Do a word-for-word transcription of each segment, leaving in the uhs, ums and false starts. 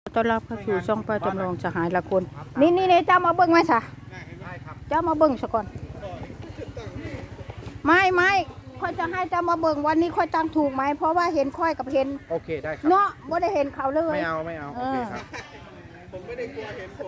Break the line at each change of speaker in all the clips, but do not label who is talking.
ต้อนรับเข้าสู่ช่องป้าจำลองสหายละคนนี่นี่นี่เจ้ามาเบิ้งไหมสะเจ้ามาเบิ้งซะก่อนไม่ไม่ค่อยจะให้เจ้ามาเบิ้งวันนี้ค่อยตั้งถูกไหมเพราะว่าเห็นค่อยกับเห็น
โอเคได้ครับ
เนาะไม่ได้เห็นเขาเลย
ไม่เอาไม่เอาโอเคครับ
ผมไม่ได้กลัวเห็นผม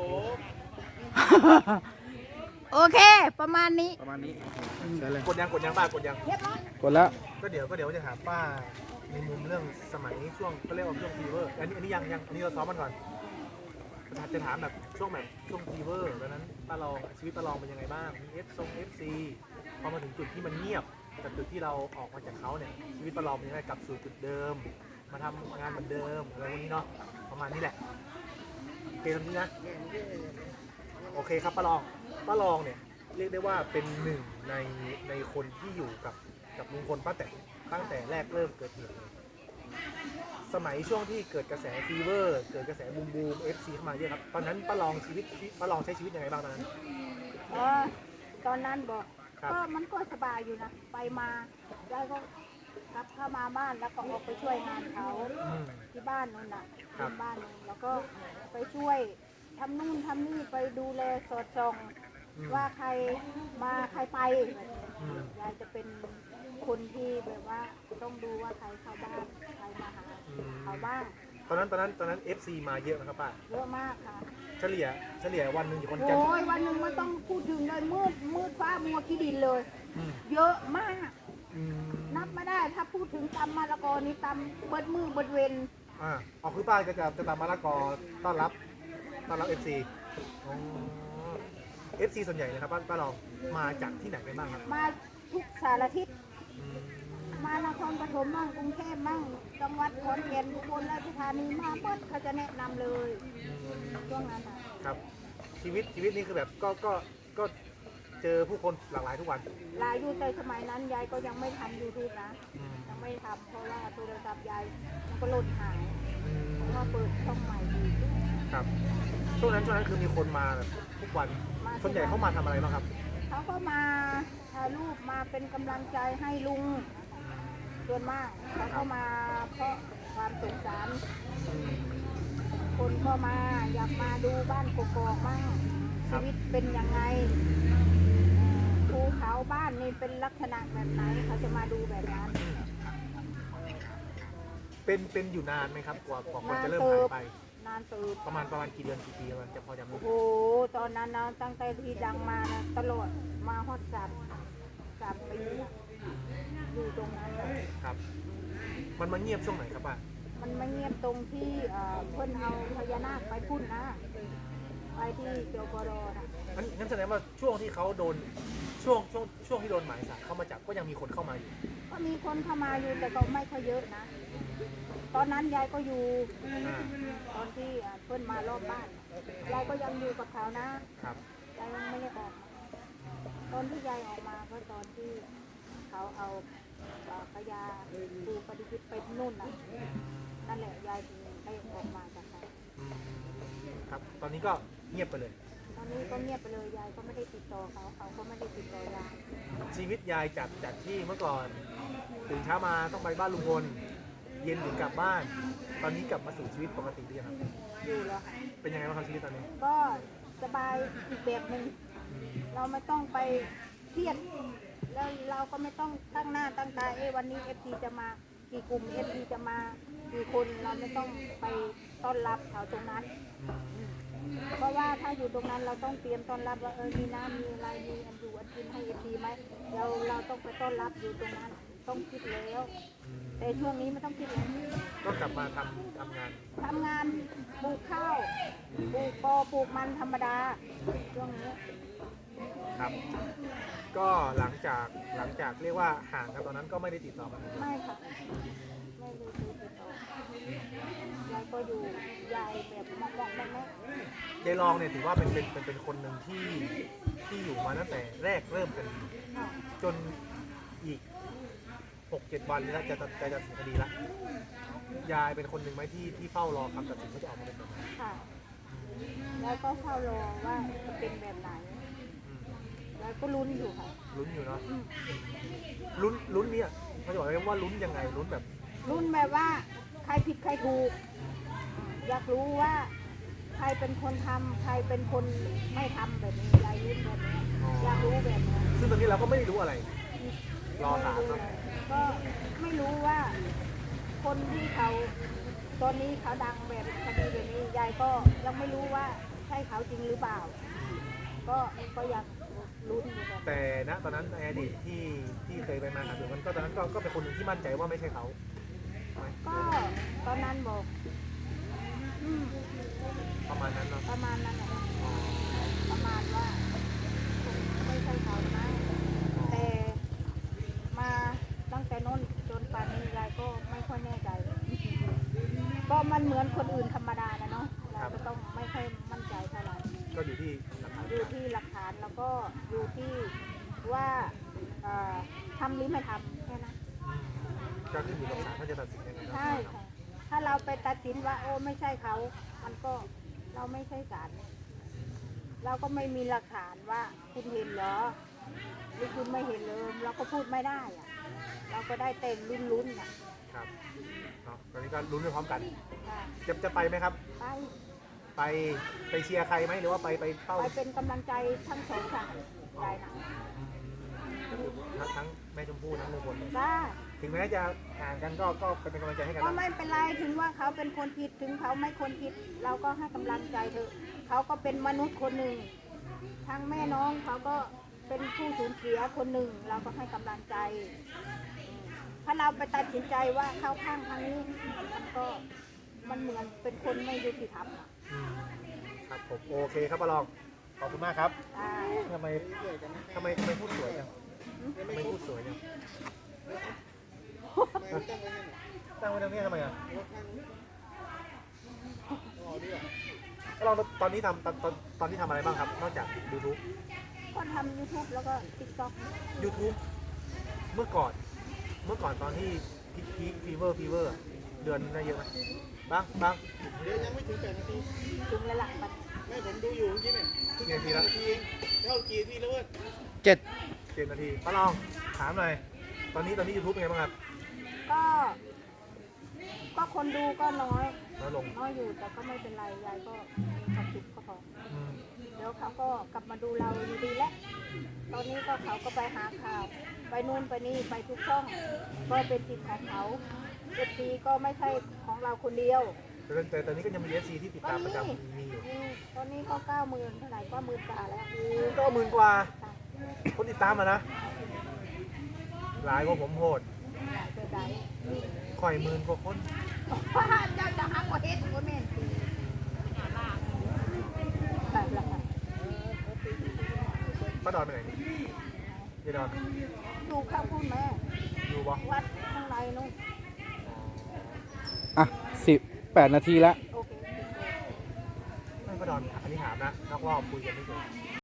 โอเคประมาณนี้
ประมาณนี้ใช่เลย
กดยังกดยังป้ากดยัง
เรียบร้อย
กดแล้ว
ก็เดี๋ยวก็เดี๋ยวจะถามป้าในมุมเรื่องสมัยช่วงเขาเรียกว่าช่วงฟีเวอร์อันนี้อันนี้ยังยังอันนี้เราซ้อมมันก่อนจะถามแบบช่วงแบบช่วงฟีเวอร์ตอนนั้นป้าลองชีวิตป้าลองเป็นยังไงบ้างมีเอฟซงเอฟซีพอมาถึงจุดที่มันเงียบกับจุดที่เราออกมาจากเขาเนี่ยชีวิตป้าลองเป็นยังไงกลับสู่จุดเดิมมาทำงานเหมือนเดิมอะไรพวกนี้เนาะประมาณนี้แหละโอเคตรงนี้นะโอเคครับป้าลองป้าลองเนี่ยเรียกได้ว่าเป็นหนึ่งในในคนที่อยู่กับกับลุงพลป้าแตนตั้งแต่แรกเริ่มเกิดเหตุเลยสมัยช่วงที่เกิดกระแสฟีเวอร์เกิดกระแสบูมบูมเอฟซีเข้ามาเยอะครับตอนนั้นป้าลองชีวิตป้าลองใช้ชีวิตยังไงบ้างตอนนั้น
อ๋อตอนนั้นบอก
ครับ
ก็มันก็สบายอยู่นะไปมาแล้วก็กลับเข้ามาบ้านแล้วก็ออกไปช่วยงานเขา
อืม
ที่บ้านนู่นน่ะ
ครับ
ที่บ้านนู่นแล้วก็ไปช่วยทำนู่นทำนี่ไปดูแลสอดส่อง
อืม
ว่าใครมาใครไป
อืม
ยายจะเป็นคนที่แบบว่าต้องดูว่าใครเข้าบ้านใครมาหา
อืม
เขาบ้าง
ตอนนั้นตอนนั้นตอนนั้น เอฟ ซี มาเยอะนะครับป้า
เยอะมากค่ะ
เฉลี่ยเฉลี่ยวันหนึ่งอยู่คนจะ
โอ้ยวันหนึ่งมันต้องพูดถึงเลยมืดมืดฟ้ามัวขี้ดินเลย
อืม
เยอะมาก
อืม
นับไม่ได้ถ้าพูดถึงตำมะละกอนี่ตำเบิดมือเบิดเวน
อ่าเอาคือป้าจะจะจะตามมะละกอต้อนรับต้อนรับ เอฟ ซี อ๋อ เอฟ ซี ส่วนใหญ่นะครับป้าป้าลองมาจากที่ไหนกันบ้างครับ
มาทุกสารทิศ
อืม
มานครปฐมมั่งกรุงเทพมั่งจังหวัดขอนแก่นอุบลราชธานีมาเบิดเขาจะแนะนำเลยช่วงนั้นอ่ะ
ครับชีวิตชีวิตนี้คือแบบก็ก็ก็เจอผู้คนหลากหลายทุกวัน
หลายดูแต่สมัยนั้นยายก็ยังไม่ทำยูทูบนะ
อืม
ยังไม่ทำเพราะว่าโทรศัพท์ยายมันก็หล่นหาย
อืม
เพราะว่าเปิดช่องใหม่ดี
ครับช่วงนั้นช่วงนั้นคือมีคนมาแบบทุกวันส่วนใหญ่เขามาทำอะไรบ้างครับ
เขาก็มาถ่ายรูปมาเป็นกำลังใจให้ลุงส่วนมากเขาก็มาเพราะความสงสาร
อืม
คนก็มาอยากมาดูบ้านกกอกมั่ง
ครั
ชี
บ
วิตเป็นยังไงเอ่อภูเขาบ้านนี่เป็นลักษณะแบบไหนเขาจะมาดูแบบนั้น
เป็นเป็นอยู่นานไหมครับกว่ากว่าคน
นาน
จะเริ่ม
เติ
หาย
บ
ไป
นานตืบ
ประมาณประมาณกี่เดือนกี่ปีมันจะพอจำได้
โอ้โหตอนนั้นนะตั้งแต่ที่ดังมานะตลอดมาฮอดสามสามปีอะอยู่ตรงนั้นอะ
ครับ มันมาเงียบช่วงไหนครับป้า
มันไม่เงียบตรงที่เอ่อเพิ่นเอาพญานาคไปพุ่นนะไปที่เกียวกรอนะ
งั้นงั้นแสดงว่าช่วงที่เขาโดนช่วงช่วงช่วงที่โดนหมายสารเข้ามาจับก็ยังมีคนเข้ามาอยู่
ก็มีคนเข้ามาอยู่แต่ก็ไม่ค่อยเยอะนะ ตอนนั้นยายก็อยู่
อ่า
ตอนที่เอ่อเพิ่นมารอบบ้านยายก็ยังอยู่กับเขานะครับ ยายยังไม่ได้ออกมาตอนที่ยายออกมาก็ตอนที่เขาเอาเอ่อพญาปูปฏิทินไปนู่นน่ะนั่นแหละยายถึงได้ออกมาจากเขา
อืมครับ ตอนนี้ก็เงียบไปเลย
ตอนนี้ก็เงียบไปเลยยายก็ไม่ได้ติดต่อเขาเขาก็ไม่ได้ติดต่อยาย
ชีวิตยายจากจากที่เมื่อก่อนตื่นเช้ามาต้องไปบ้านลุงพลเย็นถึงกลับบ้าน ตอนนี้กลับมาสู่ชีวิตปกติหรือยังครับ
อยู่แล้วค่ะ
เป็นยังไงบ้างครับชีวิตตอนนี้
ก็สบายอีกแบบหนึ่งเราไม่ต้องไปเครียดแล้วเราก็ไม่ต้องตั้งหน้าตั้งตาเอ้วันนี้เอฟซีจะมากี่กลุ่มเอฟซีจะมากี่คนเราไม่ต้องไปต้อนรับเขาตรงนั้น เพราะว่าถ้าอยู่ตรงนั้นเราต้องเตรียมต้อนรับว่าเออมีน้ำมีอะไรมีอันอยู่อันกินให้เอฟซีไหมเราเราต้องไปต้อนรับอยู่ตรงนั้นต้องคิดแล้ว
อืม
แต่ช่วงนี้ไม่ต้องคิดแล้ว
ก็กลับมาทำทำงาน
ทำงานปลูกข้าวปลูกปอปลูกมันธรรมดาช่วงนี้
ครับ ก็หลังจากหลังจากเรียกว่าห่างกันตอนนั้นก็ไม่ได้ติดต่อกันเลย
ไม่ค่ะไม่ได้คุยติดต่อยายก็อยู่ยายแบบมองมองแม่แม่
ยายรองเนี่ยถือว่าเป็นเป็นเป็นเป็นคนหนึ่งที่ที่อยู่มาตั้งแต่แรกเริ่มคดี
ค่ะ
จนอีกหกเจ็ดวันแล้วจะจะจะตัดสินคดีละยายเป็นคนหนึ่งไหมที่ที่เฝ้ารอคำตัดสินว่าจะออกมาเป็นแบบไหน
ค่ะแล้วก็เฝ้ารอว่าจะเป็นแบบไหน
อืม
แล้วก็ลุ้นอยู่ค่ะ
ลุ้นอยู่เนาะ
อืม
ลุ้นลุ้นเนี่ยเขาจะบอกเลยว่าลุ้นยังไงลุ้นแบบ
ลุ้นแบบว่าใครผิดใครถูกอยากรู้ว่าใครเป็นคนทำใครเป็นคนไม่ทำแบบนี้ยายยิ้มแบบนี้อยากรู้แบบนี้
ซึ่งตอนนี้เราก็ไม่ได้รู้อะไร รอศาลเนอะ
ก็ไม่รู้ว่า คนที่เขาตอนนี้เขาดังแบบคดีแบบนี้ยายก็ยังไม่รู้ว่าใช่เขาจริงหรือเปล่า ก็ก็อยากลุ้นอยู่แบบ
แต่ณตอนนั้นในอดีตที่ที่เคยไปมาหาสู่กันก็ตอนนั้นก็ก็เป็นคนหนึ่งที่มั่นใจว่าไม่ใช่เขาใช่ไหม
ก็ตอนนั้นบอกอืม
ประมาณนั้นเนาะ
ประมาณนั้นแหละประมาณว่าคงไม่ใช่เขานะแต่มาตั้งแต่โน้นจนป่านนี้ยายก็ไม่ค่อยแน่ใจ ก็มันเหมือนคนอื่นธรรมดานะเนาะเราก็ต้องไม่ค่อยมั่นใจเท่าไหร่
ก็อยู่ที่หลักฐาน
อยู่ที่หลักฐานแล้วก็อยู่ที่ว่าเอ่อทำหรือไม่ทำแค่นั้น
อืมก็ขึ้นอยู่กับศาลท่านจะตัดสินยังไงเนอะ
ใช่ค่ะ ถ้าเราไปตัดสินว่าโอ้ไม่ใช่เขา มันก็เราไม่ใช่ศาลเราก็ไม่มีหลักฐานว่าคุณเห็นเหรอหรือคุณไม่เห็นเลยเราก็พูดไม่ได้อะเราก็ได้เต็มลุ้นๆอ่ะ
ครับเนาะตอนนี้ก็ลุ้นไปพร้อมกัน
ค่ะ
จะจะไปไหมครับ
ไป
ไปไปเชียร์ใครไหมหรือว่าไปไปเฝ้า
ไปเป็นกำลังใจทั้งสองฝ่ายได้นะ
ก็คือทั้งทั้งแม่ชมพู่ทั้งลุงพลเลย
ได้
ถึงแม้จะห่างกันก็ก็เป็นกำลังใจให้กัน
ก็
นะ
ไม่เป็นไรถึงว่าเขาเป็นคนผิดถึงเขาไม่คนผิด เราก็ให้กำลังใจเถอะเขาก็เป็นมนุษย์คนหนึ่งทั้งแม่น้องเขาก็เป็นผู้สูญเสียคนหนึ่ง เราก็ให้กำลังใจอืมถ้าเราไปตัดสินใจว่าเข้าข้างทางนี้มันก็มันเหมือนเป็นคนไม่ยุติธรรมอะ
อืมครับผมโอเคครับป้ารองขอบคุณมากครับ
อ่า
ทำไมทำไมทำไมพูดสวยจังทำไมพูดสวยจังตั้งไว้ตรงนี้ทำไมอ่ะป้ารองตอนนี้ทำตอนตอนตอนนี้ทำอะไรบ้างครับ นอกจาก YouTube
ก็ทำ YouTube แล้วก็ติ๊กต็อก
YouTube เมื่อก่อน เมื่อก่อนตอนที่พีคพีคฟีเวอร์ฟีเวอร์เดือนได้เยอะไหมบ้างบ้าง
เดี๋ยวยังไม่ถึงแปดนาที
ถึงแล้วล่ะมัน
ไม่ผมดูอยู่เมื่อกี้เนี่ย
กี่นาทีแล้ว
นาทีเองเท่ากี่นาทีแล้วเว้ย
เจ็ด
เจ็ดนาทีป้าลองถามหน่อย ตอนนี้ตอนนี้ YouTube เป็นไงบ้างครับ
ก็ ก็คนดูก็น้อย
น้อยลง
น้อยอยู่แต่ก็ไม่เป็นไรยายก็มีความสุขก็พอ
อืม
เดี๋ยวเขาก็กลับมาดูเราอยู่ดีแล้ว ตอนนี้ก็เขาก็ไปหาข่าว ไปนู่นไปนี่ไปทุกช่อง ก็เป็นสิทธิ์ของเขาเอฟซีก็ไม่ใช่ของเราคนเดียว
แต่แต่ตอนนี้ก็ยังมี เอฟ ซี ที่ติด
ก็
ตามประ
นี่
จำมีอยู่
อืมตอนนี้ก็เก้าหมื่นเท่าไหร่ก็หมื่นกว่าแล้ว
ก็หมื่นกว่า
ค่ะ
คนติดตามมานะ หลายกว่าผมโหด
เกิดใด
ข่อยหมื่นกว่าคน
เจ้าจะหักว่าเฮ็ดว่าแม่นตีแบบละค่ะ
ป้าดอนไปไหนนี่ยายดอน
ดูข้าวพูดแม่
อยู่บ่
วัดข้างในนู่น
อ่ะสิบแปดนาทีแล้ว
โอเค
ไม่ป้าดอน อันนี้ถามนะนอกรอบคุยกันไม่เจอ